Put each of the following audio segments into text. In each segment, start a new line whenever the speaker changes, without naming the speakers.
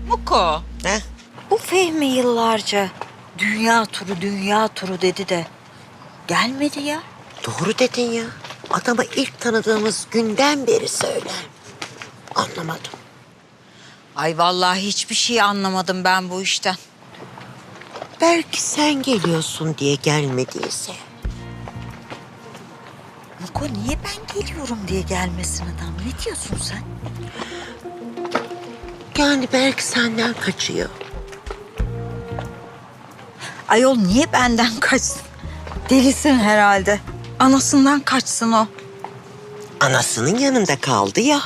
Muko.
Ne?
Bu Fehmi yıllarca dünya turu dedi de gelmedi ya.
Doğru dedin ya. Adamı ilk tanıdığımız günden beri söyler. Anlamadım.
Ay vallahi hiçbir şey anlamadım ben bu işten.
Belki sen geliyorsun diye gelmediyse.
Muko niye ben geliyorum diye gelmesin adam? Ne diyorsun sen?
Yani belki senden kaçıyor.
Ayol niye benden kaçsın? Delisin herhalde. Anasından kaçsın o.
Anasının yanında kaldı ya.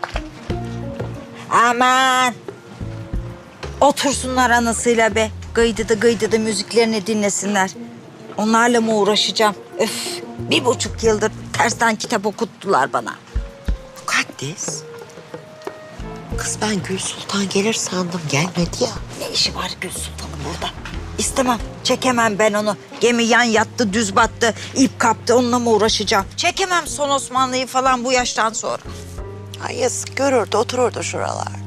Aman. Otursunlar anasıyla be. Gıydıdı müziklerini dinlesinler. Onlarla mı uğraşacağım? Öf. 1,5 yıldır tersten kitap okuttular bana.
Mukaddes. Kız ben Gül Sultan gelir sandım, gelmedi ya.
Ne işi var Gül Sultan'ın burada? İstemem. Çekemem ben onu. Gemi yan yattı, düz battı, ip kaptı. Onunla mı uğraşacağım? Çekemem son Osmanlı'yı falan bu yaştan sonra.
Ay yazık, görürdü, otururdu şuralarda.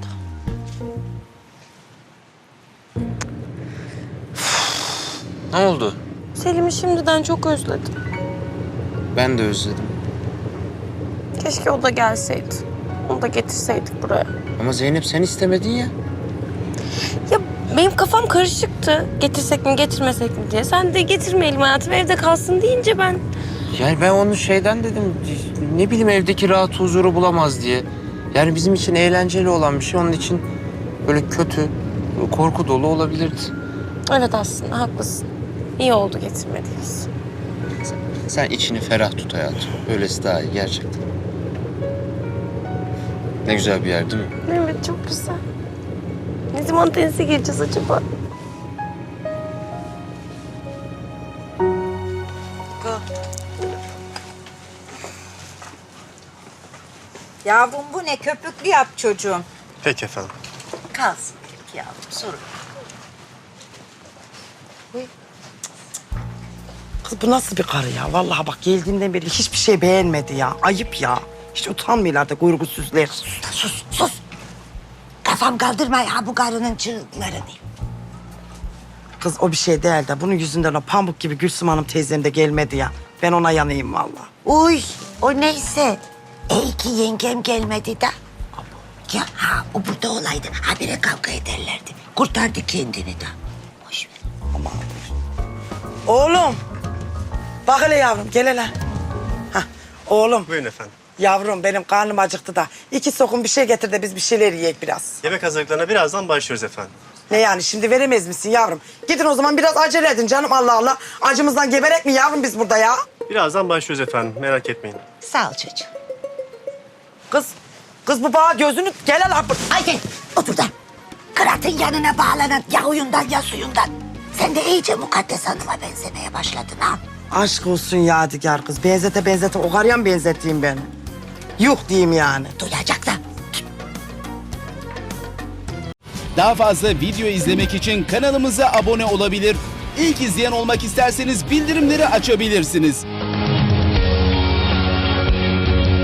Ne oldu?
Selim'i şimdiden çok özledim.
Ben de özledim.
Keşke o da gelseydi. Onu da getirseydik buraya.
Ama Zeynep sen istemedin ya.
Ya benim kafam karışıktı. Getirsek mi getirmesek mi diye. Sen de getirmeyelim hayatım evde kalsın deyince ben...
Yani ben onu şeyden dedim. Ne bileyim evdeki rahat huzuru bulamaz diye. Yani bizim için eğlenceli olan bir şey. Onun için böyle kötü, korku dolu olabilirdi.
Evet aslında haklısın. İyi oldu getirmediğimiz.
Sen içini ferah tut hayatım. Öylesi daha iyi gerçekten. Ne güzel bir yer değil mi?
Evet çok güzel. Ne zaman denize gireceğiz acaba?
Yavrum bu ne? Köpüklü yap çocuğum.
Peki efendim.
Kalsın peki yavrum, sorun.
Kız bu nasıl bir karı ya? Vallahi bak geldiğimden beri hiçbir şey beğenmedi ya. Ayıp ya. Hiç utanmıyorlar da kuyrugusuzlar.
Sus. Kafam kaldırma ya bu karının çığlıklarını.
Kız o bir şey değil de bunun yüzünden o pamuk gibi Gülsüm Hanım teyzem de gelmedi ya. Ben ona yanayım vallahi.
Uy, o neyse. İyi ki yengem gelmedi de. Ya ha, o burada olaydı. Habire kavga ederlerdi. Kurtardı kendini de. Boş ver.
Oğlum. Bak hele yavrum gel hele. Hah, oğlum.
Buyurun efendim.
Yavrum benim karnım acıktı da. 2 sokum bir şey getir de biz bir şeyler yiyek biraz.
Yemek hazırlıklarına birazdan başlıyoruz efendim.
Ne yani şimdi veremez misin yavrum? Gidin o zaman biraz acele edin canım Allah Allah. Acımızdan geberek mi yavrum biz burada ya?
Birazdan başlıyoruz efendim. Merak etmeyin.
Sağ ol çocuğum.
Kız bu bağ gözünü gel hele.
Haydi otur da. Kıratın yanına bağlanan ya huyundan ya suyundan. Sen de iyice Mukaddes Hanım'a benzemeye başladın ha.
Aşk olsun Yadigar kız. Benzete o karıya mı benzeteyim ben? Yuh diyeyim yani.
Duyacak da.
Daha fazla video izlemek için kanalımıza abone olabilir. İlk izleyen olmak isterseniz bildirimleri açabilirsiniz.